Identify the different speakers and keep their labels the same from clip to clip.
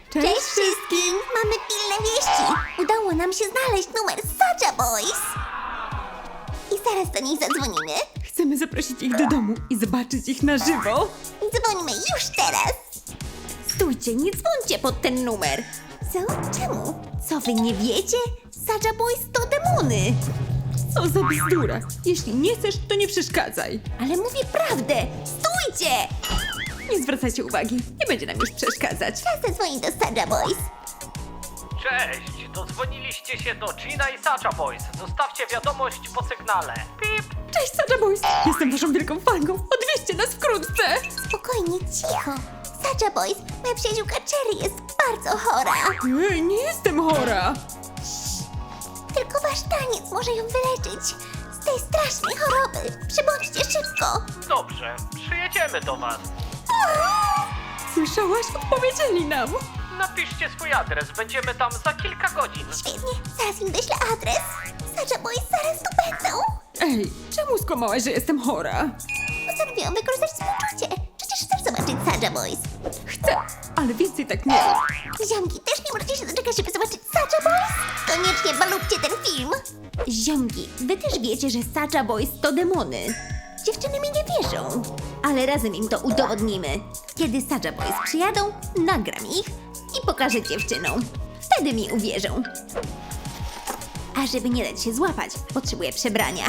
Speaker 1: Cześć wszystkim! Mamy pilne wieści! Udało nam się znaleźć numer Sacha Boys! I zaraz do nich zadzwonimy.
Speaker 2: Chcemy zaprosić ich do domu i zobaczyć ich na żywo.
Speaker 1: Dzwonimy już teraz!
Speaker 3: Stójcie, nie dzwońcie pod ten numer.
Speaker 1: Co? Czemu?
Speaker 3: Co wy nie wiecie? Sacha Boys to demony.
Speaker 2: Co za bzdura. Jeśli nie chcesz, to nie przeszkadzaj.
Speaker 3: Ale mówię prawdę. Stójcie!
Speaker 2: Nie zwracajcie uwagi. Nie będzie nam już przeszkadzać.
Speaker 1: Czas zadzwonić do Sacha Boys.
Speaker 4: Cześć! Dodzwoniliście się do Gina i Sacha Boys. Zostawcie wiadomość po sygnale. Pip!
Speaker 2: Cześć, Sacha Boys. Jestem waszą wielką fanką. Odwieźcie nas wkrótce.
Speaker 1: Spokojnie, cicho. Sacha Boys, moja przyjaciółka Cherry jest bardzo chora.
Speaker 2: Ej, nie jestem chora.
Speaker 1: Tylko wasz taniec może ją wyleczyć z tej strasznej choroby. Przybądźcie szybko.
Speaker 4: Dobrze, przyjedziemy do was.
Speaker 2: Słyszałaś? Odpowiedzieli nam.
Speaker 4: Napiszcie swój adres, będziemy tam za kilka godzin.
Speaker 1: Świetnie, zaraz im wyślę adres. Sacha Boys zaraz tu będą.
Speaker 2: Ej, czemu skłamałaś, że jestem chora?
Speaker 1: Postanowiłam wykorzystać współczucie. Przecież chcesz zobaczyć Sacha Boys.
Speaker 2: Chcę, ale więcej tak nie rób.
Speaker 1: Ziomki, też nie możecie się doczekać, żeby zobaczyć Sacha Boys? Koniecznie balubcie ten film.
Speaker 3: Ziomki, wy też wiecie, że Sacha Boys to demony. Dziewczyny mi nie wierzą. Ale razem im to udowodnimy. Kiedy Sacha Boys przyjadą, nagram ich i pokażę dziewczynom. Wtedy mi uwierzą. A żeby nie dać się złapać, potrzebuję przebrania.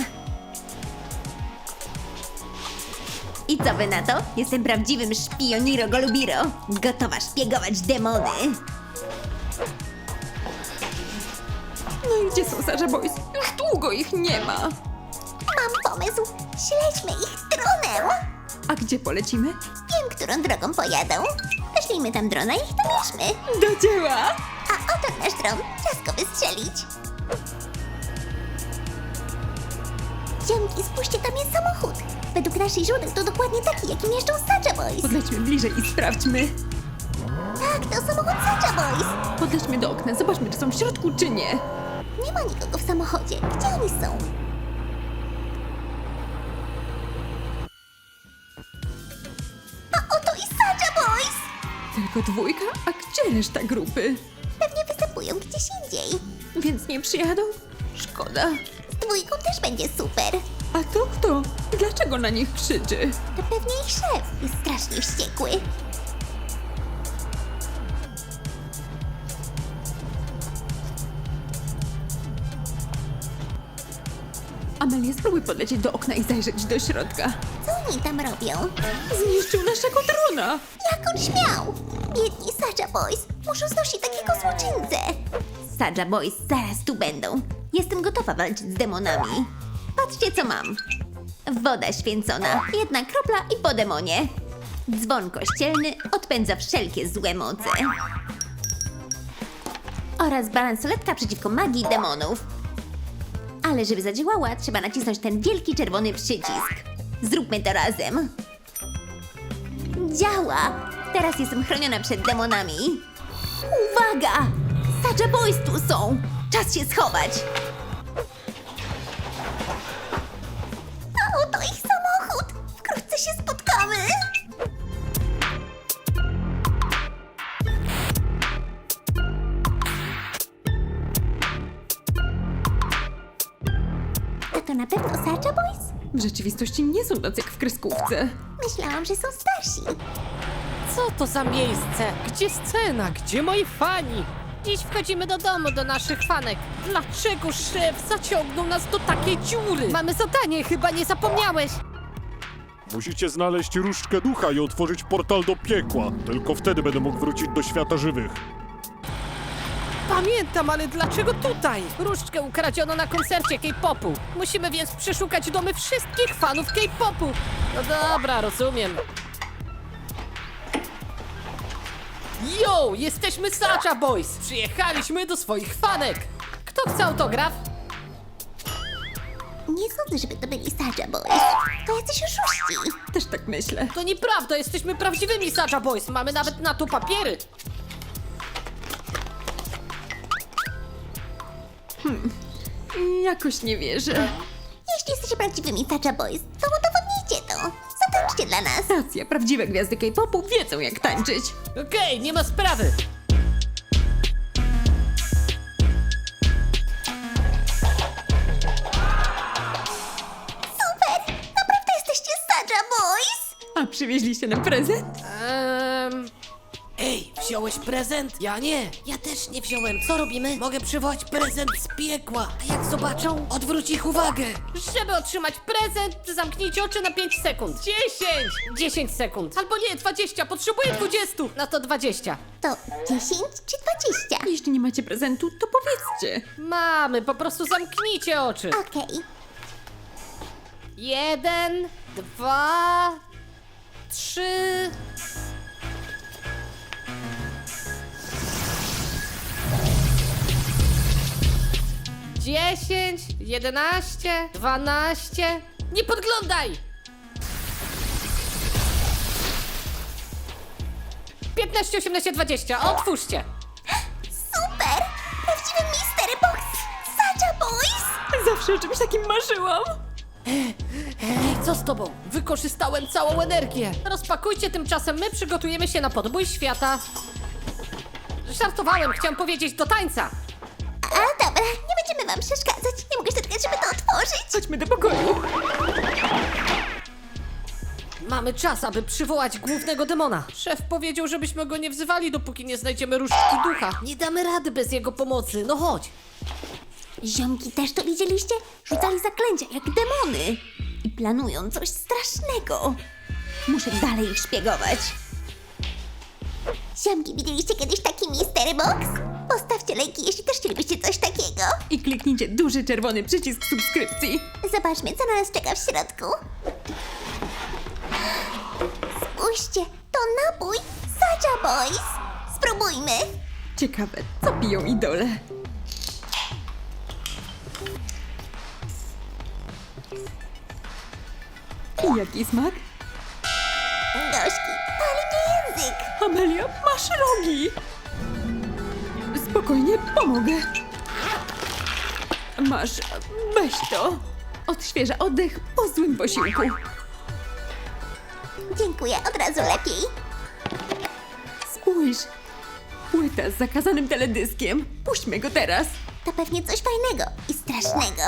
Speaker 3: I co wy na to? Jestem prawdziwym szpioniro golubiro. Gotowa szpiegować demony.
Speaker 2: No i gdzie są Sacha Boys? Już długo ich nie ma.
Speaker 1: Mam pomysł. Śledźmy ich dronem.
Speaker 2: A gdzie polecimy?
Speaker 1: Wiem, którą drogą pojadą. Weźlijmy tam drona i ich domierzmy.
Speaker 2: Do dzieła!
Speaker 1: A oto nasz dron. Czas go wystrzelić. Ziomki, spójrzcie, tam jest samochód. Według naszych źródeł to dokładnie taki, jakim jeżdżą Sacha Boys.
Speaker 2: Podlećmy bliżej i sprawdźmy.
Speaker 1: Tak, to samochód Sacha Boys.
Speaker 2: Podlećmy do okna, zobaczmy, czy są w środku, czy nie.
Speaker 1: Nie ma nikogo w samochodzie. Gdzie oni są? A oto i Sacha Boys.
Speaker 2: Tylko dwójka? A gdzie reszta grupy?
Speaker 1: Pewnie występują gdzieś indziej.
Speaker 2: Więc nie przyjadą? Szkoda.
Speaker 1: Z dwójką też będzie super.
Speaker 2: A to kto? Dlaczego na nich krzyczy?
Speaker 1: To pewnie ich szef jest strasznie wściekły.
Speaker 2: Amelia, spróbuj podlecieć do okna i zajrzeć do środka.
Speaker 1: Co oni tam robią?
Speaker 2: Zniszczył naszego drona!
Speaker 1: Jak on śmiał? Biedni Sacha Boys muszą znosić takiego złoczyńcę.
Speaker 3: Sacha Boys zaraz tu będą. Jestem gotowa walczyć z demonami. Patrzcie, co mam. Woda święcona, jedna kropla i po demonie. Dzwon kościelny odpędza wszelkie złe moce. Oraz balansoletka przeciwko magii demonów. Ale żeby zadziałała, trzeba nacisnąć ten wielki czerwony przycisk. Zróbmy to razem. Działa! Teraz jestem chroniona przed demonami. Uwaga! Sacha Boys tu są! Czas się schować!
Speaker 1: A oto ich samochód. Wkrótce się spotkamy. A to na pewno Sacha Boys?
Speaker 2: W rzeczywistości nie są tacy jak w kreskówce.
Speaker 1: Myślałam, że są starsi.
Speaker 5: Co to za miejsce? Gdzie scena? Gdzie moi fani? Dziś wchodzimy do domu do naszych fanek. Dlaczego szef zaciągnął nas do takiej dziury? Mamy zadanie, chyba nie zapomniałeś.
Speaker 6: Musicie znaleźć różdżkę ducha i otworzyć portal do piekła. Tylko wtedy będę mógł wrócić do świata żywych.
Speaker 5: Pamiętam, ale dlaczego tutaj? Różdżkę ukradziono na koncercie K-popu. Musimy więc przeszukać domy wszystkich fanów K-popu. No dobra, rozumiem. Yo, jesteśmy Sacha Boys. Przyjechaliśmy do swoich fanek. Kto chce autograf?
Speaker 1: Nie sądzę, żeby to byli Sacha Boys. To jacyś oszuści.
Speaker 2: Też tak myślę.
Speaker 5: To nieprawda, jesteśmy prawdziwymi Sacha Boys. Mamy nawet na to papiery.
Speaker 2: Jakoś nie wierzę.
Speaker 1: Jeśli jesteście prawdziwymi Sacha Boys, to udowodnijcie to. Zatańczcie dla nas.
Speaker 2: Racja, prawdziwe gwiazdy K-popu wiedzą jak tańczyć.
Speaker 5: Okej, nie ma sprawy.
Speaker 2: przywieźliście nam prezent?
Speaker 5: Ej, wziąłeś prezent? Ja nie. Ja też nie wziąłem. Co robimy? Mogę przywołać prezent z piekła. A jak zobaczą, odwróć ich uwagę. Żeby otrzymać prezent, zamknijcie oczy na 5 sekund. 10! 10 sekund. Albo nie, 20. Potrzebuję 20. No to 20.
Speaker 1: To 10 czy 20?
Speaker 2: Jeśli nie macie prezentu, to powiedzcie.
Speaker 5: Mamy, po prostu zamknijcie oczy.
Speaker 1: Okej.
Speaker 5: 1, 2, 3. Dziesięć, 11, 12. Nie podglądaj! 15, 18, 20. Otwórzcie!
Speaker 1: Super! Prawdziwy Mystery Box! Sacha Boys!
Speaker 2: Zawsze o czymś takim marzyłam.
Speaker 5: Ej, co z tobą? Wykorzystałem całą energię. Rozpakujcie, tymczasem my przygotujemy się na podbój świata. Żartowałem, chciałem powiedzieć do tańca.
Speaker 1: A dobra, nie będziemy wam przeszkadzać. Nie mogę się doczekać, żeby to otworzyć.
Speaker 2: Chodźmy do pokoju.
Speaker 5: Mamy czas, aby przywołać głównego demona. Szef powiedział, żebyśmy go nie wzywali, dopóki nie znajdziemy różdżki ducha. Nie damy rady bez jego pomocy, no chodź.
Speaker 3: Ziomki też to widzieliście? Rzucali zaklęcia jak demony. I planują coś strasznego. Muszę dalej ich szpiegować.
Speaker 1: Ziomki, widzieliście kiedyś taki Mystery Box? Postawcie lajki, jeśli też chcielibyście coś takiego.
Speaker 2: I kliknijcie duży czerwony przycisk subskrypcji.
Speaker 1: Zobaczmy, co na nas czeka w środku. Spójrzcie, to napój Sacha Boys. Spróbujmy.
Speaker 2: Ciekawe, co piją idole. I jaki smak?
Speaker 1: Gorzki, pali mnie język.
Speaker 2: Amelia, masz rogi! Spokojnie, pomogę. Masz, weź to. Odświeża oddech po złym posiłku.
Speaker 1: Dziękuję, od razu lepiej.
Speaker 2: Spójrz, płyta z zakazanym teledyskiem. Puśćmy go teraz.
Speaker 1: To pewnie coś fajnego i strasznego.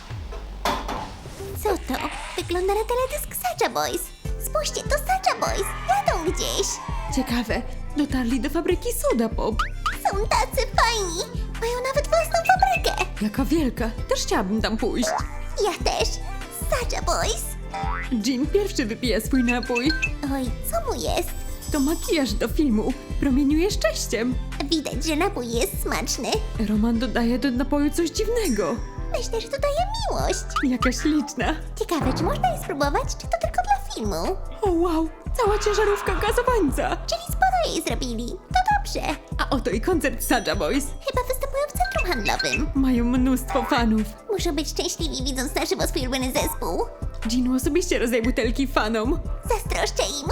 Speaker 1: Co to? Wygląda na teledysk Sacha Boys. Spójrzcie, to Sacha Boys. Jadą gdzieś.
Speaker 2: Ciekawe, dotarli do fabryki Soda Pop.
Speaker 1: Są tacy fajni. Mają nawet własną fabrykę.
Speaker 2: Jaka wielka, też chciałabym tam pójść.
Speaker 1: Ja też. Sacha Boys.
Speaker 2: Jean pierwszy wypija swój napój.
Speaker 1: Oj, co mu jest?
Speaker 2: To makijaż do filmu. Promieniuje szczęściem.
Speaker 1: Widać, że napój jest smaczny.
Speaker 2: Roman dodaje do napoju coś dziwnego.
Speaker 1: Myślę, że to daje miłość.
Speaker 2: Jaka śliczna.
Speaker 1: Ciekawe, czy można je spróbować, czy to tylko dla filmu?
Speaker 2: O wow, cała ciężarówka gazowańca.
Speaker 1: Czyli sporo jej zrobili. To dobrze.
Speaker 2: A oto i koncert Sacha Boys.
Speaker 1: Chyba występują w centrum handlowym.
Speaker 2: Mają mnóstwo fanów.
Speaker 1: Muszą być szczęśliwi, widząc na żywo swój ulubiony zespół.
Speaker 2: Jean osobiście rozdaje butelki fanom.
Speaker 1: Zazdroszczę im.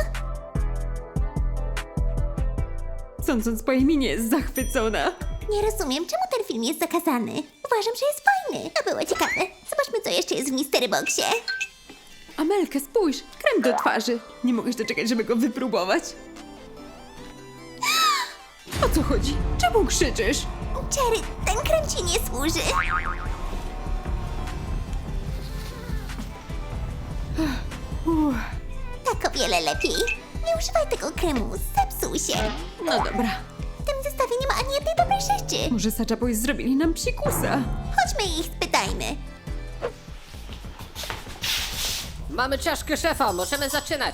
Speaker 2: Sądząc po jej minie, jest zachwycona.
Speaker 1: Nie rozumiem, czemu ten film jest zakazany. Uważam, że jest fajny. To było ciekawe. Zobaczmy, co jeszcze jest w Mystery Boxie.
Speaker 2: Amelka, spójrz, krem do twarzy. Nie mogę się doczekać, żeby go wypróbować. O co chodzi? Czemu krzyczysz?
Speaker 1: Cherry, ten krem ci nie służy. Tak o wiele lepiej. Nie używaj tego kremu, zepsuł się.
Speaker 2: No dobra.
Speaker 1: W tym zestawie nie ma ani jednej dobrej rzeczy.
Speaker 2: Może Sacha Boys zrobili nam psikusa?
Speaker 1: Chodźmy i ich spytajmy.
Speaker 5: Mamy czaszkę szefa, możemy zaczynać.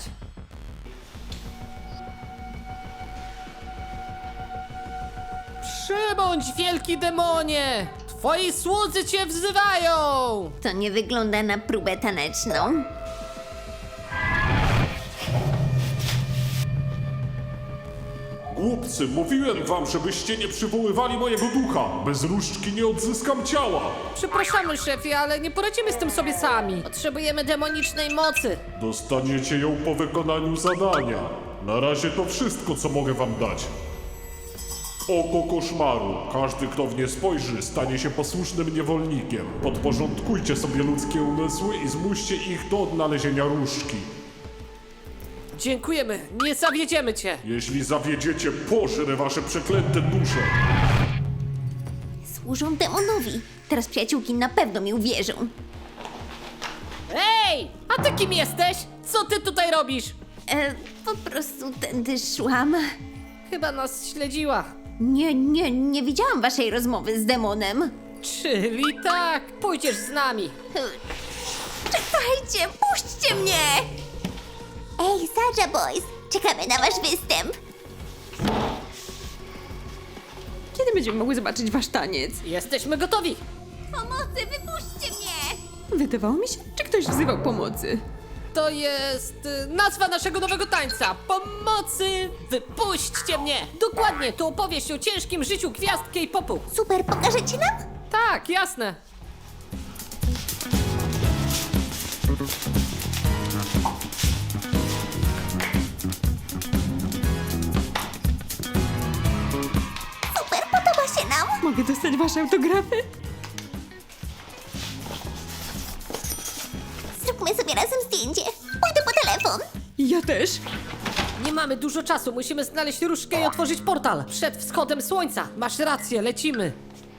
Speaker 5: Przybądź, wielki demonie! Twoi słudzy cię wzywają!
Speaker 3: To nie wygląda na próbę taneczną.
Speaker 6: Głupcy, mówiłem wam, żebyście nie przywoływali mojego ducha. Bez różdżki nie odzyskam ciała.
Speaker 5: Przepraszamy, szefie, ale nie poradzimy z tym sobie sami. Potrzebujemy demonicznej mocy.
Speaker 6: Dostaniecie ją po wykonaniu zadania. Na razie to wszystko, co mogę wam dać. Oko koszmaru. Każdy, kto w nie spojrzy, stanie się posłusznym niewolnikiem. Podporządkujcie sobie ludzkie umysły i zmuście ich do odnalezienia różdżki.
Speaker 5: Dziękujemy, nie zawiedziemy cię.
Speaker 6: Jeśli zawiedziecie, pożrę wasze przeklęte dusze.
Speaker 3: Służą demonowi. Teraz przyjaciółki na pewno mi uwierzą.
Speaker 5: Ej, a ty kim jesteś? Co ty tutaj robisz?
Speaker 3: Po prostu tędy szłam.
Speaker 5: Chyba nas śledziła.
Speaker 3: Nie widziałam waszej rozmowy z demonem.
Speaker 5: Czyli tak, pójdziesz z nami.
Speaker 3: Czekajcie, puśćcie mnie!
Speaker 1: Ej, Sacha Boys, czekamy na wasz występ.
Speaker 2: Kiedy będziemy mogły zobaczyć wasz taniec?
Speaker 5: Jesteśmy gotowi.
Speaker 3: Pomocy, wypuśćcie mnie!
Speaker 2: Wydawało mi się, czy ktoś wzywał pomocy.
Speaker 5: To jest nazwa naszego nowego tańca. Pomocy! Wypuśćcie mnie! Dokładnie, to opowieść o ciężkim życiu gwiazd K-popu.
Speaker 1: Super, pokażecie nam?
Speaker 5: Tak, jasne.
Speaker 1: Super, podoba się nam.
Speaker 2: Mogę dostać wasze autografy?
Speaker 1: Zróbmy sobie razem zdjęcie. Pójdę po telefon.
Speaker 2: Ja też.
Speaker 5: Nie mamy dużo czasu, musimy znaleźć różdżkę i otworzyć portal. Przed wschodem słońca. Masz rację, lecimy.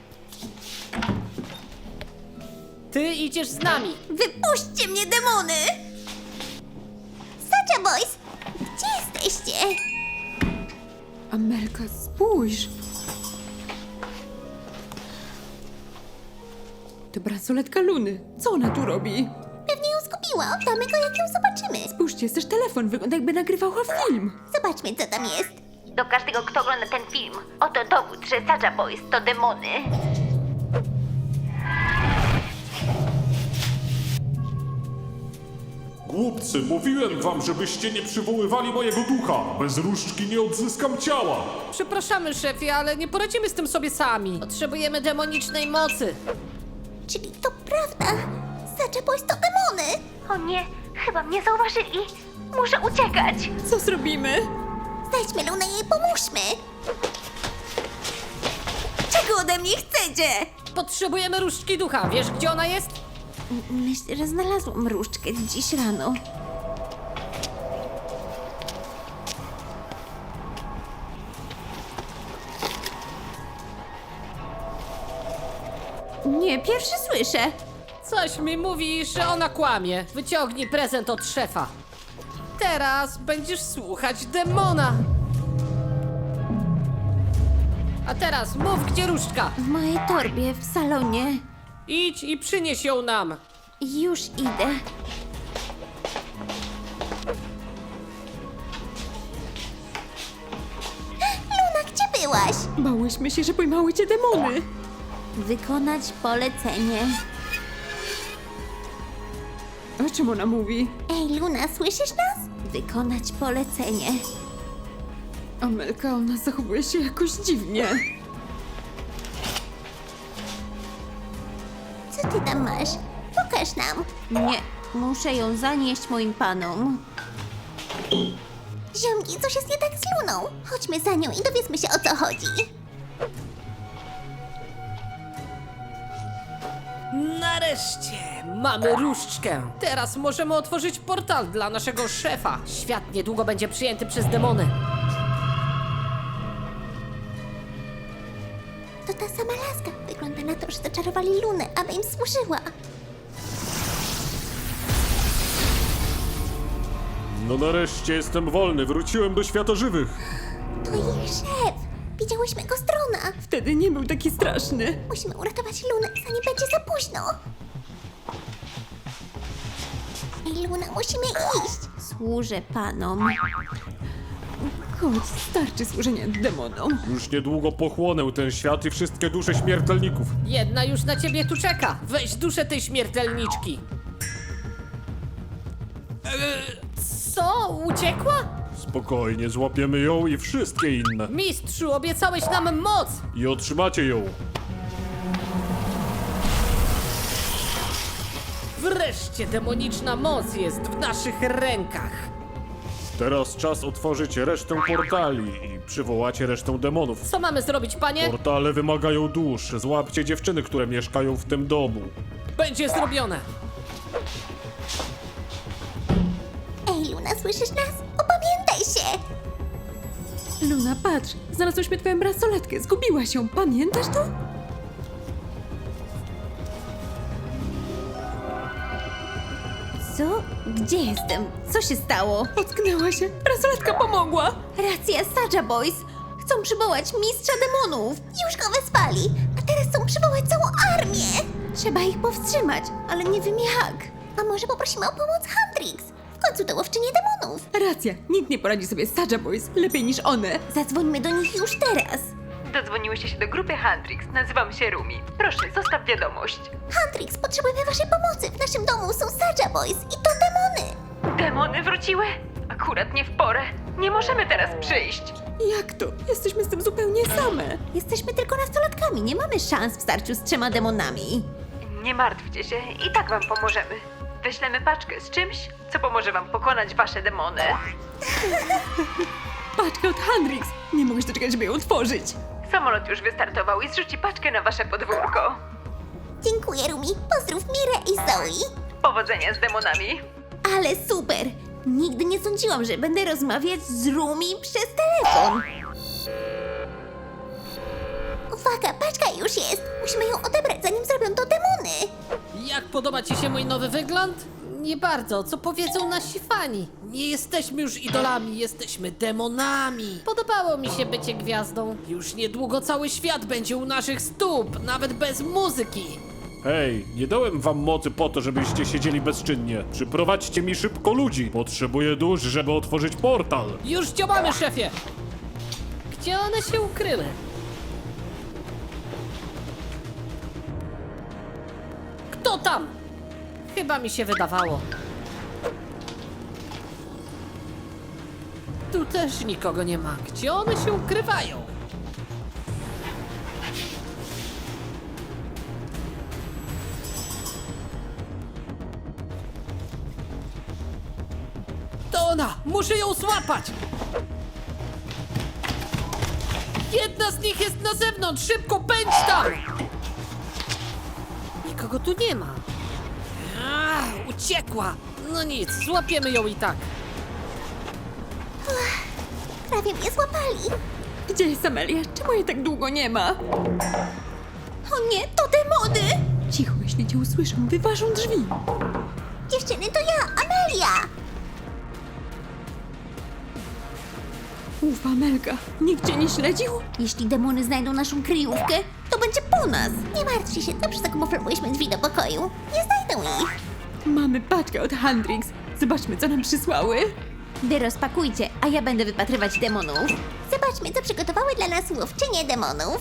Speaker 5: Ty idziesz z nami.
Speaker 3: Wypuśćcie mnie, demony!
Speaker 1: Sacha Boys, gdzie jesteście?
Speaker 2: Amelka, spójrz. To bransoletka Luny. Co ona tu robi?
Speaker 1: Pewnie ją zgubiła. Oddamy go, jak ją zobaczymy.
Speaker 2: Spójrzcie, jest też telefon. Wygląda jakby nagrywała film.
Speaker 1: Zobaczmy, co tam jest.
Speaker 3: Do każdego, kto ogląda ten film, oto dowód, że Sacha Boys to demony.
Speaker 6: Głupcy, mówiłem wam, żebyście nie przywoływali mojego ducha. Bez różdżki nie odzyskam ciała.
Speaker 5: Przepraszamy, szefie, ale nie poradzimy z tym sobie sami. Potrzebujemy demonicznej mocy.
Speaker 1: Czyli to prawda. Sacha Boys to demony.
Speaker 3: O nie, chyba mnie zauważyli. Muszę uciekać.
Speaker 2: Co zrobimy?
Speaker 1: Znajdźmy Lunę i jej pomóżmy.
Speaker 3: Czego ode mnie chcecie?
Speaker 5: Potrzebujemy różdżki ducha. Wiesz, gdzie ona jest?
Speaker 3: Myślę, że znalazłam różdżkę dziś rano. Nie, pierwszy słyszę.
Speaker 5: Coś mi mówi, że ona kłamie. Wyciągnij prezent od szefa. Teraz będziesz słuchać demona. A teraz mów, gdzie różdżka.
Speaker 3: W mojej torbie w salonie.
Speaker 5: Idź i przynieś ją nam.
Speaker 3: Już idę.
Speaker 1: Luna, gdzie byłaś?
Speaker 2: Bałyśmy się, że pojmały cię demony.
Speaker 3: Wykonać polecenie.
Speaker 2: O czym ona mówi?
Speaker 1: Ej, Luna, słyszysz nas?
Speaker 3: Wykonać polecenie.
Speaker 2: Amelka, ona zachowuje się jakoś dziwnie.
Speaker 1: Co ty tam masz? Pokaż nam.
Speaker 3: Nie, muszę ją zanieść moim panom.
Speaker 1: Ziomki, coś jest nie tak z Luną. Chodźmy za nią i dowiedzmy się, o co chodzi.
Speaker 5: Nareszcie mamy różdżkę. Teraz możemy otworzyć portal dla naszego szefa. Świat niedługo będzie przyjęty przez demony.
Speaker 1: To ta sama laska. Wygląda na to, że zaczarowali Lunę, aby im służyła.
Speaker 6: No nareszcie jestem wolny, wróciłem do świata żywych.
Speaker 1: To ich szef. Widziałyśmy go z drona.
Speaker 2: Wtedy nie był taki straszny.
Speaker 1: Musimy uratować Lunę, zanim będzie za późno. Ej, Luna, musimy iść.
Speaker 3: Służę panom.
Speaker 2: Chodź, starczy służenia demonom.
Speaker 6: Już niedługo pochłonę ten świat i wszystkie dusze śmiertelników.
Speaker 5: Jedna już na ciebie tu czeka. Weź duszę tej śmiertelniczki. Co? Uciekła?
Speaker 6: Spokojnie, złapiemy ją i wszystkie inne.
Speaker 5: Mistrzu, obiecałeś nam moc!
Speaker 6: I otrzymacie ją.
Speaker 5: Wreszcie demoniczna moc jest w naszych rękach.
Speaker 6: Teraz czas otworzyć resztę portali i przywołacie resztę demonów.
Speaker 5: Co mamy zrobić, panie?
Speaker 6: Portale wymagają dusz. Złapcie dziewczyny, które mieszkają w tym domu.
Speaker 5: Będzie zrobione.
Speaker 1: Ej, Luna, słyszysz nas? Opamiętaj się!
Speaker 2: Luna, patrz, znalazłyśmy twoją bransoletkę. Zgubiłaś ją, pamiętasz to?
Speaker 3: Co? Gdzie jestem? Co się stało?
Speaker 2: Ocknęła się. Bransoletka pomogła.
Speaker 3: Racja, Sacha Boys! Chcą przywołać mistrza demonów!
Speaker 1: Już go wespali, a teraz chcą przywołać całą armię.
Speaker 3: Trzeba ich powstrzymać, ale nie wiem jak.
Speaker 1: A może poprosimy o pomoc Huntrix? W końcu to łowczynie demonów.
Speaker 2: Racja, nikt nie poradzi sobie z Sacha Boys lepiej niż one.
Speaker 3: Zadzwońmy do nich już teraz.
Speaker 7: Dodzwoniłyście się do grupy Huntrix. Nazywam się Rumi. Proszę, zostaw wiadomość.
Speaker 1: Huntrix, potrzebujemy waszej pomocy. W naszym domu są Sacha Boys i to demony.
Speaker 7: Demony wróciły? Akurat nie w porę. Nie możemy teraz przyjść.
Speaker 2: Jak to? Jesteśmy z tym zupełnie same.
Speaker 3: Jesteśmy tylko nastolatkami, nie mamy szans w starciu z 3 demonami.
Speaker 7: Nie martwcie się, i tak wam pomożemy. Wyślemy paczkę z czymś, co pomoże wam pokonać wasze demony.
Speaker 2: Paczka od Hendrix. Nie mogę się doczekać, żeby ją otworzyć.
Speaker 7: Samolot już wystartował i zrzuci paczkę na wasze podwórko.
Speaker 1: Dziękuję, Rumi. Pozdrów Mirę i Zoe.
Speaker 7: Powodzenia z demonami.
Speaker 3: Ale super! Nigdy nie sądziłam, że będę rozmawiać z Rumi przez telefon.
Speaker 1: Uwaga, paczka już jest. Musimy ją odebrać, zanim zrobią to demony.
Speaker 5: Jak podoba ci się mój nowy wygląd? Nie bardzo, co powiedzą nasi fani? Nie jesteśmy już idolami, jesteśmy demonami. Podobało mi się bycie gwiazdą. Już niedługo cały świat będzie u naszych stóp, nawet bez muzyki.
Speaker 6: Hej, nie dałem wam mocy po to, żebyście siedzieli bezczynnie. Przyprowadźcie mi szybko ludzi. Potrzebuję dusz, żeby otworzyć portal.
Speaker 5: Już działamy, szefie! Gdzie one się ukryły? Kto tam? Chyba mi się wydawało. Tu też nikogo nie ma. Gdzie one się ukrywają? To ona! Muszę ją złapać! Jedna z nich jest na zewnątrz! Szybko, pędź tam! Nikogo tu nie ma. Uciekła! No nic, złapiemy ją i tak.
Speaker 1: Prawie mnie złapali.
Speaker 2: Gdzie jest Amelia? Czemu jej tak długo nie ma?
Speaker 3: O nie, to demony!
Speaker 2: Cicho, jeśli cię usłyszą, wyważą drzwi.
Speaker 1: Dziewczyny, to ja, Amelia.
Speaker 2: Ufa, Amelka. Nikt cię nie śledził?
Speaker 3: Jeśli demony znajdą naszą kryjówkę, to będzie po nas.
Speaker 1: Nie martwcie się, dobrze zakamuflowałyśmy drzwi do pokoju. Nie znajdą ich.
Speaker 2: Mamy paczkę od Hendrix. Zobaczmy, co nam przysłały.
Speaker 3: Wy rozpakujcie, a ja będę wypatrywać demonów.
Speaker 1: Zobaczmy, co przygotowały dla nas łowczynie demonów.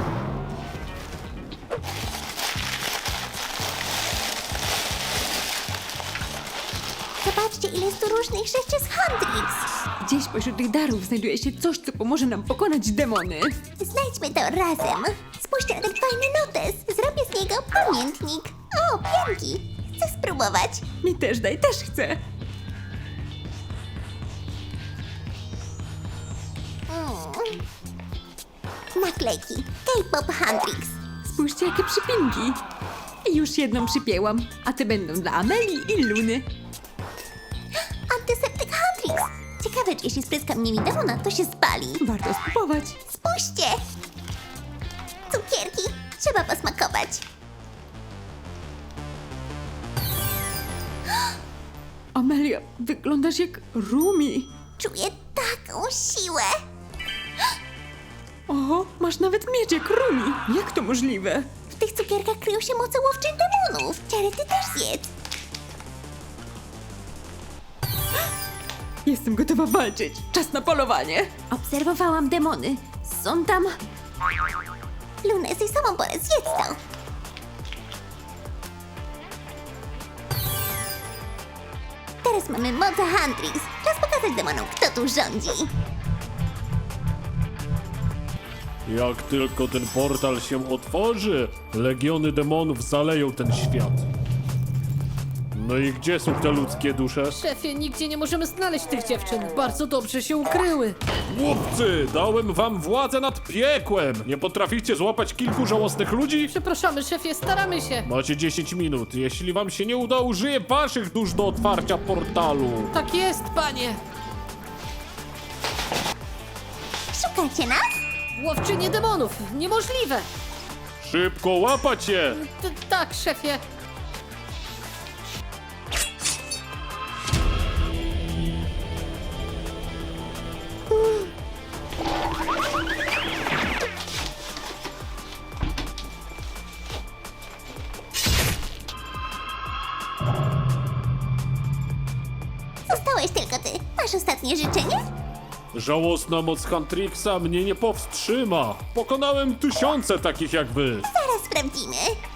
Speaker 1: Zobaczcie, ile jest tu różnych rzeczy z Huntrix.
Speaker 2: Gdzieś pośród tych darów znajduje się coś, co pomoże nam pokonać demony.
Speaker 1: Znajdźmy to razem. Spójrzcie na ten fajny notes. Zrobię z niego pamiętnik. O, pianki. Chcę spróbować.
Speaker 2: Mi też daj, też chcę.
Speaker 1: Naklejki. K-pop Huntrix.
Speaker 2: Spójrzcie, jakie przypinki. I już jedną przypięłam, a te będą dla Ameli i Luny.
Speaker 1: Antyseptyk Huntrix. Ciekawe, czy jeśli spryskam nimi demona, to się spali.
Speaker 2: Warto spróbować.
Speaker 1: Spójrzcie. Cukierki. Trzeba posmakować.
Speaker 2: Amelia, wyglądasz jak Rumi.
Speaker 1: Czuję taką siłę.
Speaker 2: Oho, masz nawet miecz jak Rumi. Jak to możliwe?
Speaker 1: W tych cukierkach kryją się moce łowczych demonów. Cherry, ty też zjedz.
Speaker 2: Jestem gotowa walczyć. Czas na polowanie.
Speaker 3: Obserwowałam demony. Są tam...
Speaker 1: Luna, jesteś samą porę, zjedz to. Teraz mamy moce Huntrix. Czas pokazać demonom, kto tu rządzi.
Speaker 6: Jak tylko ten portal się otworzy, legiony demonów zaleją ten świat. No i gdzie są te ludzkie dusze?
Speaker 5: Szefie, nigdzie nie możemy znaleźć tych dziewczyn. Bardzo dobrze się ukryły.
Speaker 6: Głupcy, dałem wam władzę nad piekłem! Nie potraficie złapać kilku żałosnych ludzi?
Speaker 5: Przepraszamy, szefie, staramy się.
Speaker 6: Macie 10 minut. Jeśli wam się nie uda, użyję waszych dusz do otwarcia portalu.
Speaker 5: Tak jest, panie.
Speaker 1: Szukacie nas?
Speaker 5: Łowczynie demonów. Niemożliwe.
Speaker 6: Szybko łapać je!
Speaker 5: Tak, szefie.
Speaker 1: ostatnie życzenie?
Speaker 6: Żałosna moc Huntrixa mnie nie powstrzyma. Pokonałem tysiące takich jak wy.
Speaker 1: Zaraz sprawdzimy.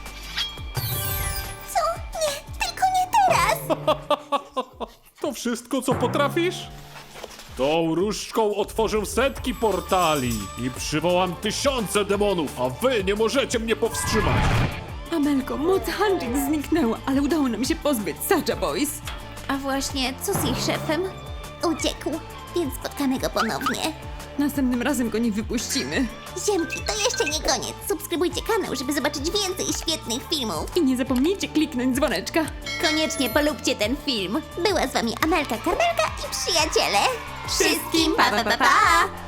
Speaker 1: Co? Nie, tylko nie teraz!
Speaker 6: To wszystko, co potrafisz? Tą różdżką otworzę setki portali i przywołam tysiące demonów, a wy nie możecie mnie powstrzymać.
Speaker 2: Amelko, moc Huntrix zniknęła, ale udało nam się pozbyć Sacha Boys.
Speaker 3: A właśnie, co z ich szefem?
Speaker 1: Uciekł, więc spotkamy go ponownie.
Speaker 2: Następnym razem go nie wypuścimy.
Speaker 1: Ziemki, to jeszcze nie koniec. Subskrybujcie kanał, żeby zobaczyć więcej świetnych filmów.
Speaker 2: I nie zapomnijcie kliknąć dzwoneczka.
Speaker 3: Koniecznie polubcie ten film.
Speaker 1: Była z wami Amelka Karmelka i przyjaciele.
Speaker 3: Wszystkim pa pa pa! pa!